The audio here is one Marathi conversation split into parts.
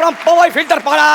गरम पवई फिल्टर पाडा.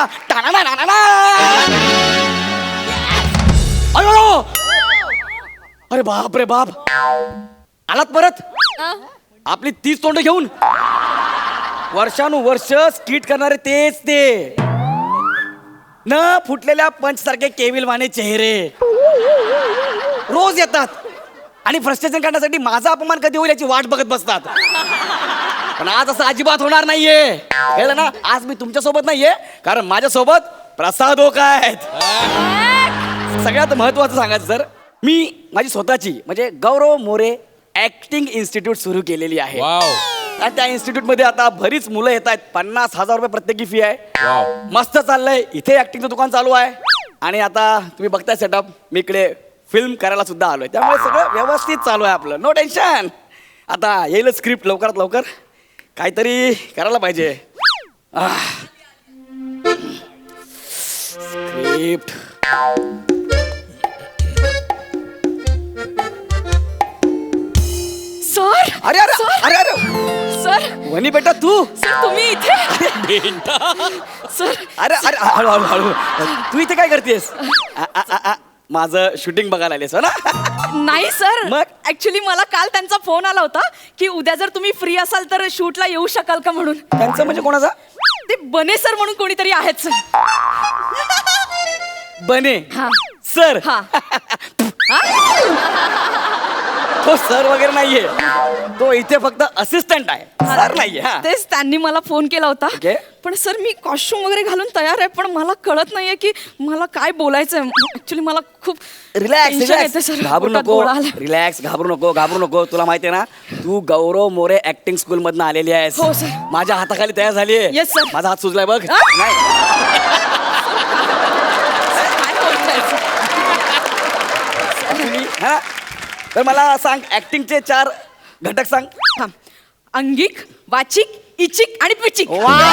अयो, अरे बाप रे बाप, आलात परत आपली 30 तोंड घेऊन. वर्षानुवर्ष स्किट करणारे तेच ते, न फुटलेल्या पंच सारखे केविलवाने चेहरे रोज येतात आणि फ्रस्ट्रेशन काढण्यासाठी माझा अपमान कधी होईल याची वाट बघत बसतात. पण आज असं अजिबात होणार नाहीये, कळलं ना. आज मी तुमच्या सोबत नाहीये, कारण माझ्या सोबत प्रसाद ओका आहेत. सगळ्यात महत्वाचं सांगायचं सर, मी माझी स्वतःची म्हणजे गौरव मोरे ऍक्टिंग इन्स्टिट्यूट सुरू केलेली आहे. आणि त्या इन्स्टिट्यूट मध्ये आता बरीच मुलं येत आहेत. 50,000 रुपये प्रत्येकी फी आहे. मस्त चाललंय. इथे ऍक्टिंगचं दुकान चालू आहे आणि आता तुम्ही बघताय सेटअप, मी इकडे फिल्म करायला सुद्धा आलोय. त्यामुळे सगळं व्यवस्थित चालू आहे आपलं, नो टेन्शन. आता येईल स्क्रिप्ट लवकरात लवकर, काहीतरी करायला पाहिजे. Script sir. अरे अरे अरे अरे सर. वनी बेटा तू. सर तुम्ही इथे. सर. अरे अरे हळू हळू हळू, तू इथे काय करतेस? माझं शूटिंग बघायला आलेस हो ना? नाही सर, मग? ऍक्च्युली मला काल त्यांचा फोन आला होता की उद्या जर तुम्ही फ्री असाल तर शूटला येऊ शकाल का म्हणून. त्यांचं म्हणजे कोणाचा? ते बने सर म्हणून कोणीतरी आहेत सर. बने हा. सर. हा. तो सर वगैरे नाहीये, तो इथे फक्त असिस्टंट आहे, सर नाहीये. हा. तेच त्यांनी मला फोन केला होता. Okay. पण सर मी कॉस्ट्युम वगैरे घालून तयार आहे, पण मला कळत नाहीये की मला काय बोलायचंय. ऍक्च्युली मला खूप रिलॅक्स tension येते रिलॅक्स, सर. घाबरू पोटात नको. गोळा आलाय. रिलॅक्स, घाबरू नको. तुला माहितीये ना, तू गौरव मोरे ऍक्टिंग स्कूल मधनं आलेली आहेस. हो, सर. माझ्या हाताखाली तयार झाली आहे. Yes, sir. माझा हात सुजलाय बघ. हा? नाही काय बोलताय सर? actually, हा? तर मला सांग, ऍक्टिंगचे 4 घटक सांग. थांब. अंगिक, वाचिक, इचिक आणि पिचिक.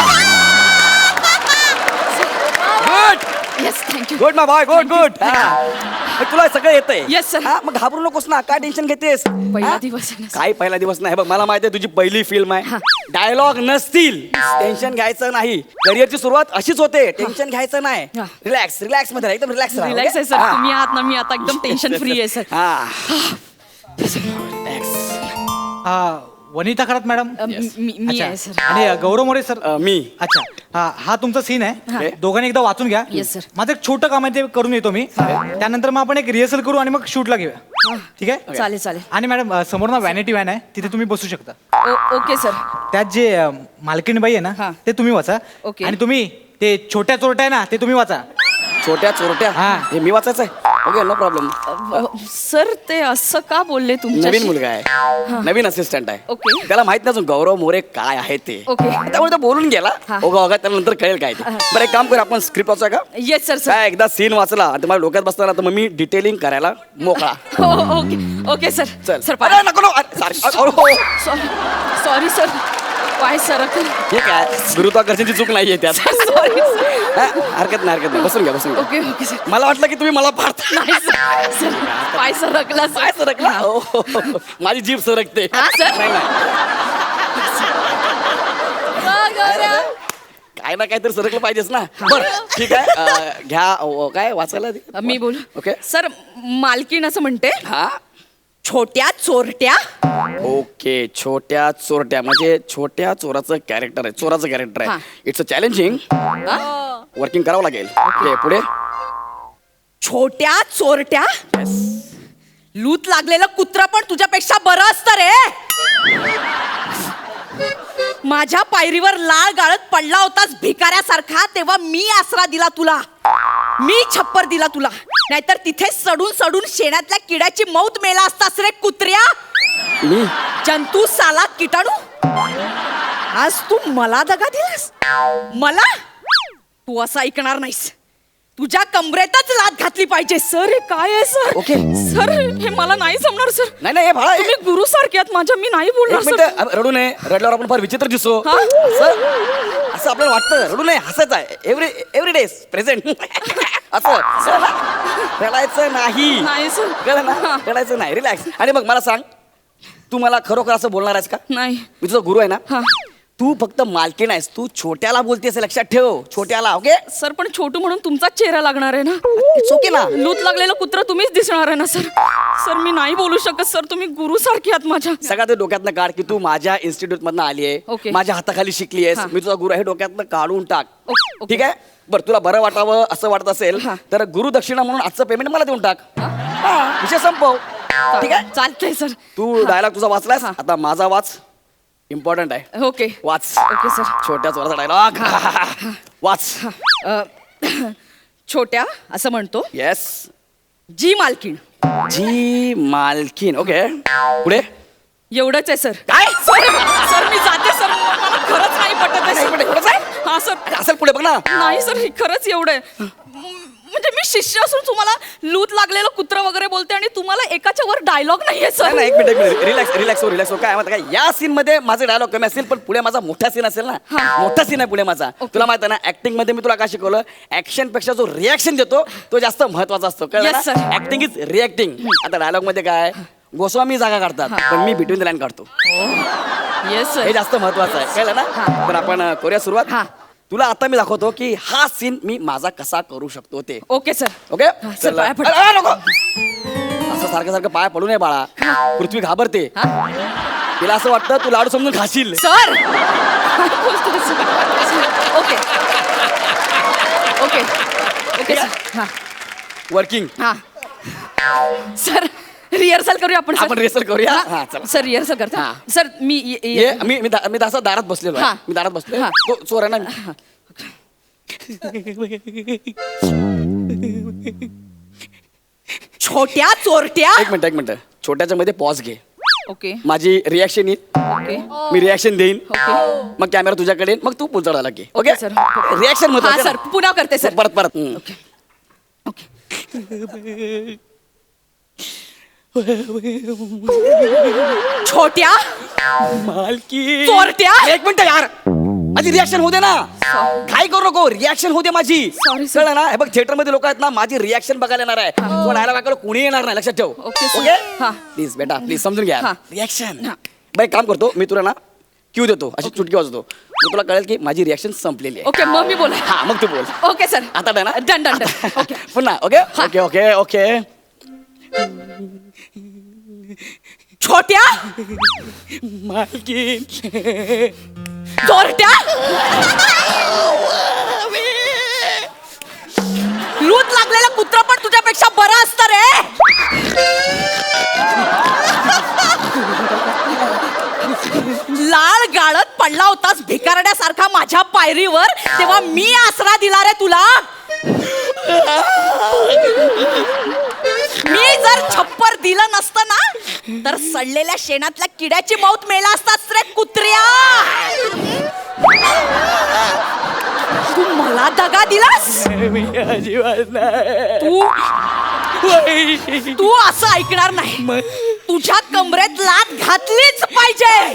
Good yes thank you. Good my boy, good good. तुला सगळं येतंय. Yes, sir. मग घाबरू नकोस ना, काय टेन्शन घेतेस? पहिला हा? दिवस आहे ना, sir. काय पहिला दिवस नाही बघ, मला माहिती आहे तुझी पहिली फिल्म आहे. हा. डायलॉग नसतील, टेन्शन घ्यायचं नाही. करिअरची सुरुवात अशीच होते, टेन्शन घ्यायचं नाही. हा. रिलॅक्स रिलॅक्स मध्ये राहा, एकदम रिलॅक्स राहा. रिलॅक्स आहे okay? सर, हा. तुम्ही आहात ना, मी आता एकदम टेन्शन फ्री आहे सर. हा. Relax. वनिता खरात मॅडम. मी अच्छा. आहे सर. आणि गौरव मोरे सर. मी. अच्छा, हा तुमचा सीन आहे. Okay. दोघांनी एकदा वाचून घ्या. Yes, sir. माझं एक छोटं काम आहे, ते करून येतो मी. त्यानंतर मग आपण एक रिहर्सल करू आणि मग शूटला घेऊया. ठीक आहे. चालेल चालेल. आणि मॅडम समोर ना व्हॅनिटी व्हॅन आहे, तिथे तुम्ही बसू शकता. Okay sir. त्यात जे मालकीणबाई आहे हा. ना, ते तुम्ही वाचा. Okay. आणि तुम्ही ते छोट्या चोरट्या आहे ना, ते तुम्ही वाचा. छोट्या चोरट्या. हा. हे मी वाचायचं आहे. Okay, no problem. सर ते असं का बोलले नवीन तुमच्याशी? मुलगा आहे, नवीन असिस्टंट आहे. Okay. त्याला माहित नाही अजून गौरव मोरे काय आहे ते. Okay. त्यामुळे तो बोलून गेला. हा. ओघा त्याला नंतर कळेल काय ते. बरं, एक काम कर, आपण स्क्रिप्ट वाचा का? Yes sir sir. काय एकदा सीन वाचला आणि तुम्हाला डोक्यात बसताना तर मग मी डिटेलिंग करायला मोकळा. हो ओके ओके सर. चल सर अरे नको नको. अरे, sorry. हो. Sorry sir. पाय सर. हे काय गुरुत्वाकर्षणची चूक नाहीये त्यात. Sorry sir. हा, हरकत नाही. बसून घ्या. Okay okay sir. मला वाटलं की तुम्ही मला पाडता. नाही सर. सर पाय सरकला सर. काय सरकला? हो. माझी जीभ सरकते. हा, सर. नाही. काय ना काहीतरी सरकलं पाहिजेच ना. बरं ठीक आहे. घ्या काय वाचायला दे. मी बोलू. ओके. सर मालकीण असं म्हणते, हा. छोट्या चोरट्या. ओके, छोट्या चोरट्या म्हणजे छोट्या चोराचं कॅरेक्टर आहे, चोराचं कॅरेक्टर हा. आहे. It's a challenging. हा? वर्किंग करावं लागेल. ओके, पुढे. छोट्या चोरट्या. लूत लागलेलं कुत्र पण तुझ्यापेक्षा बरं असतं रे. माझ्या पायरीवर लाळ गाळत पडला होतास भिकाऱ्यासारखा, तेव्हा मी आसरा दिला तुला, मी छप्पर दिला तुला. नाहीतर तिथे सडून सडून शेणातल्या किड्याची मौत मेला असतास रे कुत्र्या. मी जंतू साला किटाणू. आज तू मला दगा दिलास. मला तू असं ऐकणार नाहीस. तुझ्या कमरेतच लात घातली पाहिजे. सर हे काय आहे सर? ओके. सर हे मला नाही जमणार सर. नाही हे भाळा. तुम्ही गुरु सारखे आहात माझ्या, मी नाही बोलणार एक सर. मिनिट, रडू नये. रडल्यावर आपण फार विचित्र दिसतो. हा? असं आपल्याला वाटतं. रडू नये, हसायचं आहे. Every day present. असं रडायचं नाही. नाही सर. कळलं ना? रडायचं नाही. रिलॅक्स. आणि मग मला सांग, तू मला खरोखर असं बोलणार आहेस का? नाही. मी तुझा गुरु आहे ना. हा. तू फक्त मालकीण आहेस, तू छोट्याला बोलतेस लक्षात ठेव, छोट्याला. ओके, सर पण छोटू म्हणून तुमचाच चेहरा लागणार आहे ना. इट्स ओके ना. लूत लागलेलं कुत्र तुम्हीच दिसणार आहे ना सर. सर मी नाही बोलू शकत सर, तुम्ही गुरु सारखी आहात माझ्या. सगळ्यात ते डोक्यातनं काढ की तू माझ्या इन्स्टिट्यूट मधनं आली आहे, ओके. माझ्या हाताखाली शिकली आहेस, हा. मी तुझा गुरु आहे, डोक्यातनं काढून टाक. ओके. ठीक आहे. बरं, तुला बरं वाटावं असं वाटत असेल हा. तर गुरु दक्षिणा म्हणून आजचं पेमेंट मला देऊन टाक. हा, विषय संपव. ठीक आहे. चालतंय सर. तू डायलॉग तुझा वाचलास, हा. आता माझा वाच. इम्पॉर्टंट आहे, ओके वाच. Okay sir. छोट्या चोराचा डायलॉग वाच. अ, छोट्या असं म्हणतो, येस. जी मालकीण. जी मालकीन. ओके, पुढे एवढंच आहे सर. काय? सर सर मी जाते सर, मला खरंच नाही पटत आहे नाही, सर. एवढंच आहे? हा सर. असेल पुढे बघ ना. नाही सर, हे खरंच एवढं आहे. म्हणजे मी शिष्य असून तुम्हाला लूत लागलेलं कुत्र वगैरे बोलते आणि तुम्हाला एकाच्या वर डायलॉग नाहीये सर. नाही, एक मिनिट रिलॅक्स रिलॅक्स हो, रिलॅक्स हो. काय माहिती काय, या सीन मध्ये माझे डायलॉग कमी असतील पण पुढे माझा मोठा सीन असेल ना. हा. मोठा सीन आहे पुढे माझा. ओके. तुला माहिती आहे ना, ऍक्टिंग मध्ये मी तुला काय शिकवलं, ऍक्शन पेक्षा जो रिॲक्शन देतो तो जास्त महत्वाचा असतो. Yes, sir. Acting is reacting. आता डायलॉग मध्ये काय, गोस्वामी जागा काढतात पण मी बिटवीन द लाईन काढतो. येस हे सर. जास्त महत्वाचं आहे, कळलं ना. हा. तर आपण करूया सुरुवात. हा. तुला आता मी दाखवतो की हा सीन मी माझा कसा करू शकतो ते. Okay sir. ओके. हा, सर, पाया पड. नको असं सारखं सारखं पाया पडू नये बाळा. पृथ्वी घाबरते. हा? तिला असं वाटतं तू लाडू समजून खाशील. सर काय बोलतोय sir? Okay okay okay sir. हा वर्किंग. हा सर रिहर्सल करूया आपण सर. आपण रिहर्सल करूया. हा, हा, चला. सर रिहर्सल करता. हा. सर मी ये मी असं दारात बसलेलो आहे. हा. मी दारात बसलोय. हा. तो चोर आहे ना. छोट्या चोरट्या. एक मिनिट छोट्याच्या मध्ये पॉज घे. ओके माझी रिॲक्शन येईल, ओके मी रिॲक्शन देईन, ओके. मग कॅमेरा तुझ्याकडे येईल, मग तू पुढचा डायलॉग घे. Okay, sir. रिॲक्शन हा महत्वाचं सर पुन्हा करते सर. परत परत. हम्म. ओके छोट्या मालकी. चोरट्या. एक मिनिट यार, माझी रिॲक्शन होते ना. काय करू नको, रिॲक्शन होते माझी. Sorry, sir. कळलं ना. हे बघ, थिएटर मध्ये लोक आहेत ना, माझी रिॲक्शन बघायला येणार आहे. तो डायलॉग ऐकायला कोणी येणार नाही, लक्षात ठेव. Okay, sir. ओके. हा. प्लीज बेटा, प्लीज समजून घ्या. हा. रिॲक्शन. हा. बाई काम करतो मी, तुला ना क्यू देतो, अशी चुटकी वाजवतो, मग तुला कळेल की माझी रिॲक्शन संपलेली आहे. ओके मग मी बोला. हा, मग तू बोल. Okay sir. आता डन ना. Done done done. ओके पुन्हा. Okay okay okay okay. छोट्या मालकी. चोरट्या. लूत लागलेलं कुत्र पण तुझ्यापेक्षा बरं असतं रे. लाल गाळत पडला होतास भिकारड्यासारखा माझ्या पायरीवर, तेव्हा मी आसरा दिला रे तुला. मी जर छप्पर दिलं नसतं ना तर सडलेल्या शेणातल्या किड्याची मौत मेला असतास रे कुत्र्या. तू मला दगा दिलास. तू असं ऐकणार नाही. तुझ्या कमरेत लात घातलीच पाहिजे.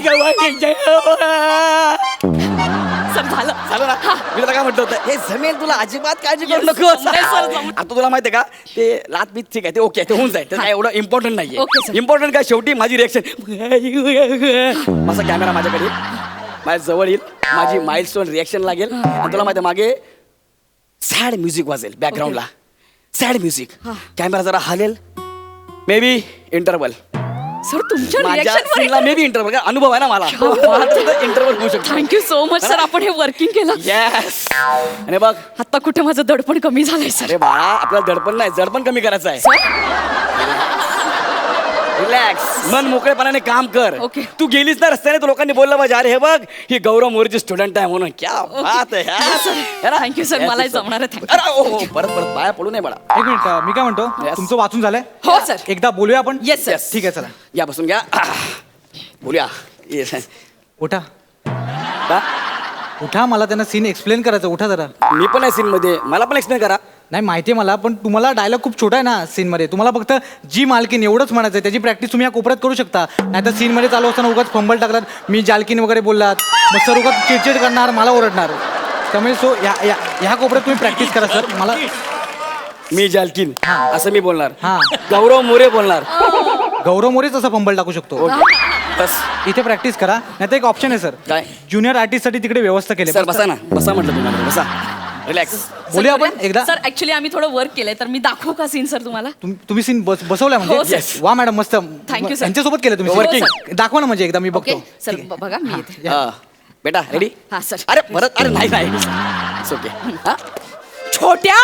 सर झालं. झालं ना. मी तुला काय म्हटलं होतं, हे जमेल तुला, अजिबात काळजी करू Yes, नको. जमलंय sir, जमलंय. आता तुला माहितीये का, ते लात बीत ठीक आहे, ते ओके, ते होऊन जाईल, ते काय एवढं इम्पॉर्टंट Okay, नाहीये. sir. इम्पॉर्टंट काय, शेवटी माझी रिएक्शन. माझा कॅमेरा माझ्याकडे येईल, माझ्या जवळ येईल, माझी माइलस्टोन रिएक्शन लागेल आणि तुला माहिती मागे सॅड म्युझिक वाजेल बॅकग्राऊंडला. Sad music. कॅमेरा जरा हलेल, मे बी इंटरवल. सर तुमच्या माझ्या रिएक्शन सीनला मे बी इंटरवल. अनुभव आहे ना मला, इंटरवल होऊ शकतो. थँक्यू सो मच सर, आपण हे वर्किंग केलं. येस. आणि बघ, आता कुठे माझं दडपण कमी झालंय सर. अरे बाळा, आपल्याला दडपण नाही, जडपण कमी करायचं आहे. रिलॅक्स, मन मोकळेपणाने काम कर. ओके. तू गेलीस ना रस्त्याने, तर लोकांनी बोललं पाहिजे, अरे हे बघ, ही गौरव मोरेची स्टुडंट आहे म्हणून. क्या बात आहे यार. Thank you, sir. Yes, मलाही yes, sir. जमणार आहे. Thank you. अरे, हो, परत परत पाया पडू नये बाळा. एक मिनिट, मी काय म्हणतो, Yes. तुमचं वाचून झालंय? हो सर. एकदा बोलूया आपण. Yes, sir. Yes. ठीक आहे, चला या बसून घ्या. बोलूया. Yes. उठा का? उठा, मला त्यांना सीन एक्सप्लेन करायचं. उठा जरा. मी पण आहे सीन मध्ये, मला पण एक्सप्लेन करा. नाही माहिती आहे मला, पण तुम्हाला डायलॉग खूप छोटा आहे ना सीन मध्ये. तुम्हाला फक्त जी मालकीन एवढंच म्हणायचं आहे. त्याची प्रॅक्टिस तुम्ही या कोपऱ्यात करू शकता. नाही तर सीन मध्ये चालू असताना उगाच फंबल टाकलात, मी जालकीन वगैरे बोललात, मग सर उगाच चिडचिड करणार, मला ओरडणार. त्यामुळे सो ह्या कोपऱ्यात तुम्ही प्रॅक्टिस करा सर. मला मी जालकीन असं मी बोलणार. हा. गौरव मोरे बोलणार. गौरव मोरेच असा फंबल टाकू शकतो. ओके. बस इथे प्रॅक्टिस करा नाही तर एक ऑप्शन आहे सर काय? ज्युनियर आर्टिस्टसाठी तिकडे व्यवस्था केली सर बसा ना, बसा म्हटलं तुम्हाला, बसा रिलॅक्स. बोलूया आपण एकदा सर ऍक्च्युली आम्ही थोडं वर्क केलंय तर मी दाखवू का सीन सर तुम्हाला तुम्ही सीन बसवलाय हो, म्हणजे sir. वा मॅडम मस्त Thank you, sir. यांच्यासोबत केलं तुम्ही हो, working. sir. दाखवा ना म्हणजे एकदा मी ओके बघतो सर बघा मी येते बेटा रेडी? हा सर अरे परत, अरे नाही नाही इट्स ओके. हा छोट्या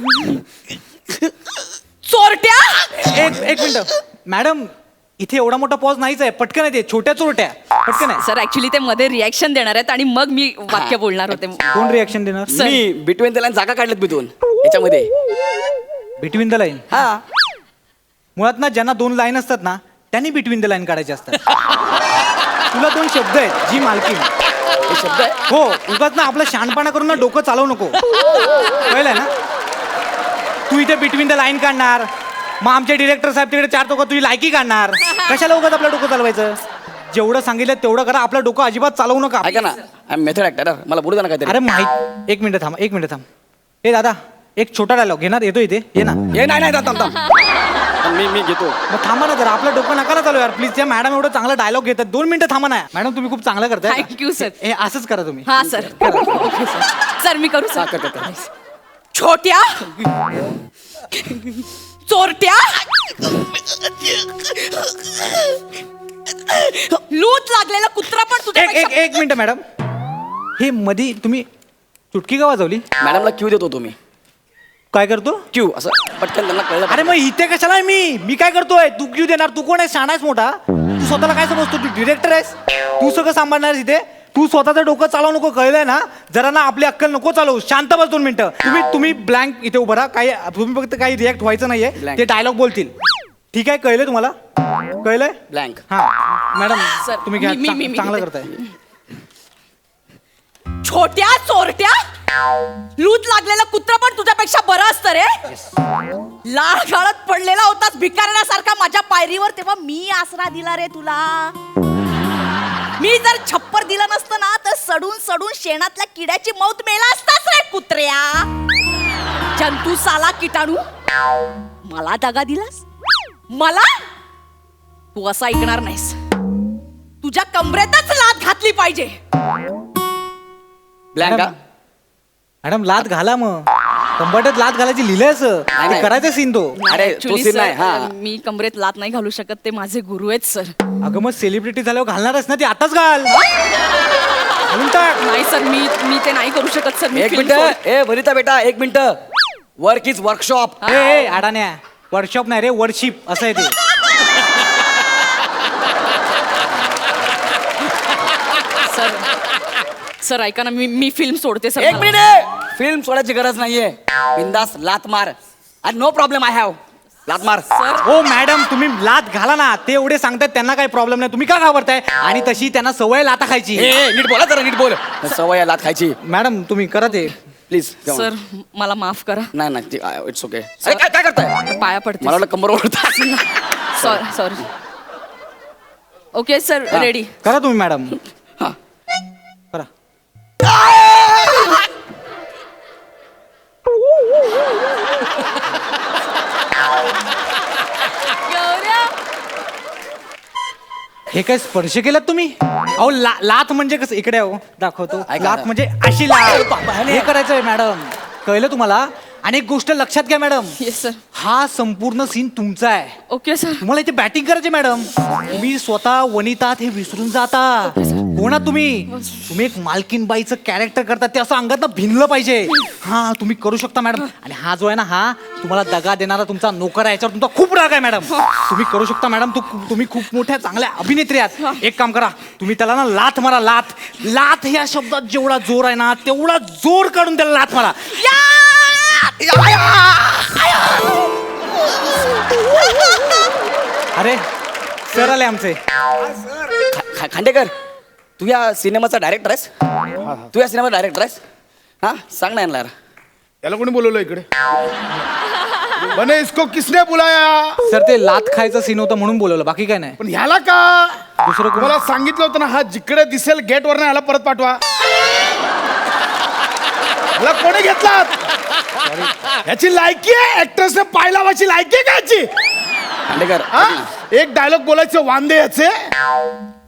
चोरट्या एक मिनिट मॅडम इथे एवढा मोठा पॉज नाहीच आहे पटकन आहे ते छोट्या चोरट्या पटकन आहे सर ऍक्च्युली ते मध्ये रिॲक्शन देणार आहेत आणि मग मी वाक्य बोलणार होते कोण रिॲक्शन देणार Sir. मी बिटवीन द लाईन जागा काढल्यात मी दोन याच्यामध्ये. बिटवीन द लाईन हा मुळात ना ज्यांना 2 लाईन असतात ना त्यांनी बिटवीन द लाईन काढायचे असतात तुला 2 शब्द आहेत जी मालकीन हे शब्द आहे. हो उगाच ना आपलं शहाणपणा करून ना डोकं चालवू नको कळलंय ना तू इथे बिटवीन द लाईन काढणार मग आमचे डिरेक्टर साहेब तिकडे 4 टोकं तुझी लायकी काढणार कशाला उगाच आपलं डोकं चालवायचं जेवढं सांगितलं तेवढं करा आपलं डोकं अजिबात चालवू नका ऐका ना, आय एम मेथड ऍक्टर, मला बोलू द्या ना काहीतरी. अरे माहित एक मिनिट थांब ए दादा एक छोटा डायलॉग घेणार येतो इथे ये ना हे नाही थांब थांब मी घेतो. मग थांबा ना जरा आपलं डोकं नका ना चालू यार प्लीज त्या मॅडम एवढं चांगला डायलॉग घेतात 2 मिनिटं थांबा ना मॅडम तुम्ही खूप चांगलं करताय Thank you, sir. हे असंच करा तुम्ही हा सर ओके सर सर मी करू हा, सर कर. छोट्या चोरट्या लूट लागलेला कुत्रा पण तुझ्या एक मिनिट मॅडम हे मधी तुम्ही चुटकी का वाजवली मॅडमला क्यू देतो तुम्ही. काय करतो क्यू असं पटकन त्यांना कळलं. अरे मग इथे कशाला आहे मी काय करतोय तू क्यू देणार तू कोण आहे शाणा आहेस मोठा तू स्वतःला काय समजतो तू डिरेक्टर आहेस तू सगळं सांभाळणार आहेस इथे तू स्वतःचं डोकं चालवू नको कळलंय ना जरा ना आपली अक्कल नको चालवू शांत बस 2 मिनिटं तुम्ही ब्लँक इथे उभं राहा काही तुम्ही फक्त काही रिॲक्ट व्हायचं नाहीये Blank. ते डायलॉग बोलतील ठीक आहे कळलंय तुम्हाला कळलंय ब्लँक. हा मॅडम Sir, तुम्ही घ्या मी चांगलं घेते. करताय छोट्या चोरट्या लूट लागलेला कुत्रा पण तुझ्यापेक्षा बरं असतं रे लाळ गाळत पडलेला होतास भिकारण्यासारखा माझ्या पायरीवर तेव्हा मी आसरा दिला रे तुला मी जर छप्पर दिलं नसतं ना तर सडून सडून शेणातल्या किड्याची मौत मेला असताच रे कुत्र्या जंतू साला किटाणू मला दगा दिलास मला तू असं ऐकणार नाहीस तुझ्या कमरेतच लाथ घातली पाहिजे ब्लँक. मॅडम लात घाला मग कंबरट्यात लात घालायची लिहिलंय असं नाही, नाही. करायचं सीन तो अरे, Actually, तो scene sir, नाही, हा. मी कमरेत लात नाही घालू शकत ते माझे गुरु आहेत सर अगं मग सेलिब्रिटी झाल्यावर घालणारच ना ती आताच घाल घालून टाक नाही सर मी ते नाही करू शकत सर मी एक film मिनिट ए वनिता बेटा एक मिनिट. Work is workshop. ए अडाण्या वर्कशॉप नाही रे वर्शिप असं आहे ते सर सर ऐका ना मी फिल्म सोडते सर एक मिनिट फिल्म सोडायची गरज नाहीये बिंदास लात मार आणि नो प्रॉब्लेम आय हॅव लात मार. सर हो मॅडम तुम्ही लात घाला ना ते एवढे सांगतात त्यांना काही प्रॉब्लेम नाही तुम्ही का घाबरताय आणि तशी त्यांना सवय लाता खायची ए नीट बोला जरा नीट बोल. सवय आहे लात खायची मॅडम तुम्ही करा ते प्लीज. सर मला माफ करा नाही इट्स ओके. काय काय करताय पाया पडते मला वाटलं कंबर ओढतात. सॉरी सॉरी ओके सर हा. रेडी करा तुम्ही मॅडम हा. करा हे काय स्पर्श केलात तुम्ही अहो लात म्हणजे कसं इकडे अहो दाखवतो ऐका लात ना. म्हणजे अशी लात हे करायचंय मॅडम कळलं तुम्हाला आणि एक गोष्ट लक्षात घ्या मॅडम येस सर हा संपूर्ण सीन तुमचा आहे ओके सर तुम्हाला इथे बॅटिंग करायची मॅडम तुम्ही स्वतः वनितात हे विसरून जाता कोणा तुम्ही एक मालकीन बाईचं कॅरेक्टर करता ते असं अंगात भिनलं पाहिजे हा तुम्ही करू शकता मॅडम आणि हा जो आहे ना हा तुम्हाला दगा देणारा तुमचा नोकर आहे याच्यावर तुमचा खूप राग आहे मॅडम तुम्ही करू शकता मॅडम तुम्ही खूप मोठ्या चांगल्या अभिनेत्री आहात एक काम करा तुम्ही त्याला ना लाथ मारा लाथ लाथ या शब्दात जेवढा जोर आहे ना तेवढा जोर काढून त्याला लाथ मारा अरे सर आले आमचे खांडेकर तू या सिनेमाचा डायरेक्टर आहेस. तू या सिनेमाचा डायरेक्टर आहेस. हा सांग ना यांना. याला कोणी बोलवलं इकडे बने इसको किसने बुलाया सर ते लात खायचं सीन होतं म्हणून बोलवलं बाकी काय नाही पण ह्याला का दुसरं कोण मला सांगितलं होतं ना हा जिकडे दिसेल गेट वर ह्याला परत पाठवा ह्याला कोणी घेतला याची लायकी आहे ऍक्ट्रेसने पाय लावायची लायकी आहे का याची खांडेकर हा एक डायलॉग बोलायचे वांदे याचे